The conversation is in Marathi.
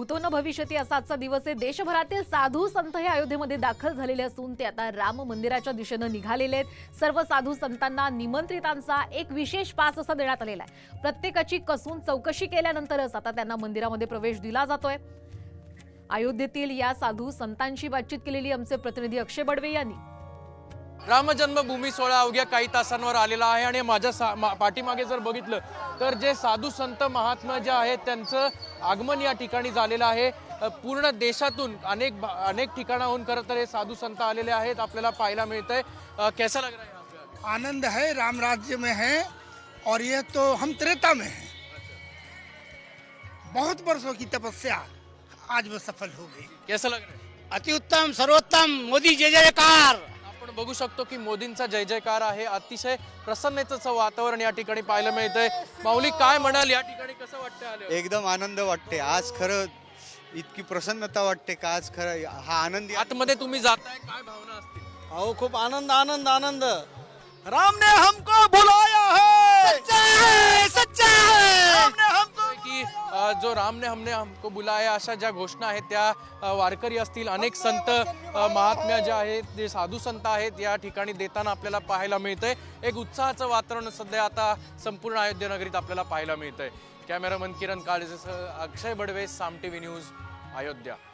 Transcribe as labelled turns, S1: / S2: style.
S1: भूतो न भविष्यती असा आजचा दिवस आहे। देशभरातील साधू संत हे अयोध्येमध्ये दाखल झालेले असून ते आता राम मंदिराच्या दिशेने निघालेले आहेत। सर्व साधू संतांना निमंत्रितांचा एक विशेष पास असा देण्यात आलेला आहे। प्रत्येकाची कसून चौकशी केल्यानंतरच आता त्यांना मंदिरामध्ये प्रवेश दिला जातोय। अयोध्येतील या साधू संतांशी बातचीत केलेली आमचे प्रतिनिधी अक्षय बडवे यांनी।
S2: राम जन्मभूमी सोहळा अवघ्या काही तासांवर आलेला आहे आणि माझ्या पाठीमागे जर बघितलं तर जे साधू संत महात्मा जे आहेत त्यांचं आगमन या ठिकाणी झालेलं आहे। पूर्ण देशातून अनेक ठिकाणाहून खरं तर हे साधू संत आलेले आहेत, आपल्याला पाहायला मिळतंय। कैसा लग रहा है आपको?
S3: आनंद है, राम राज्य में है और ये तो हम त्रेता में हैं। बहुत वर्षों की तपस्या आज वो सफल हो गई।
S2: कैसा लग रहा है?
S3: अति उत्तम, सर्वोत्तम, मोदी जय जयकार।
S2: आपण बघू शकतो की मोदींचा जय जयकार आहे। अतिशय प्रसन्नतेचं वातावरण या ठिकाणी पाहायला मिळतंय। माऊली काय म्हणाल, या ठिकाणी कसं वाटतं आले?
S4: एकदम आनंद वाटते आज, खरं इतकी प्रसन्नता वाटते का आज खरं हा आनंद।
S2: आतमध्ये तुम्ही जाताय, काय भावना असतील?
S4: अहो खूप आनंद आनंद आनंद। राम ने हमको बुलाया है,
S3: सच्चा है, सच्चा है।
S4: राम ने हमको
S2: की जो राम ने हमको बुलाया अशा ज्या घोषणा आहेत त्या वारकरी असतील, अनेक संत महात्म्या जे आहेत, जे साधू संत आहेत या ठिकाणी देताना आपल्याला पाहायला मिळतंय। एक उत्साहाचं वातावरण सध्या आता संपूर्ण अयोध्या नगरीत आपल्याला पाहायला मिळतंय। कॅमेरामन किरण काळेसह अक्षय बडवे, साम टीव्ही न्यूज, अयोध्या।